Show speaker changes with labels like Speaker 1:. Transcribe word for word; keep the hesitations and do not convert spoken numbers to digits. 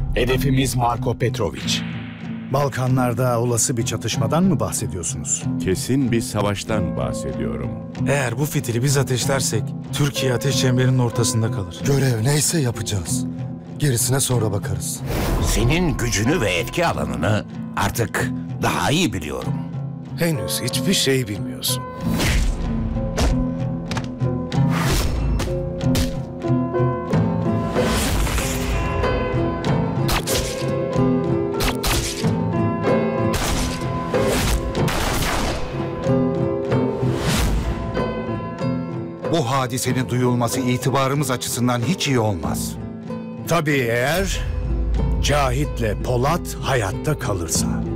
Speaker 1: Hedefimiz Marko Petrovic.
Speaker 2: Balkanlarda olası bir çatışmadan mı bahsediyorsunuz?
Speaker 3: Kesin bir savaştan bahsediyorum.
Speaker 4: Eğer bu fitili biz ateşlersek Türkiye ateş çemberinin ortasında kalır.
Speaker 5: Görev neyse yapacağız. Gerisine sonra bakarız.
Speaker 6: Senin gücünü ve etki alanını artık daha iyi biliyorum.
Speaker 7: Henüz hiçbir şey bilmiyorsun.
Speaker 8: Bu hadisenin duyulması itibarımız açısından hiç iyi olmaz.
Speaker 2: Tabii eğer Cahit'le Polat hayatta kalırsa.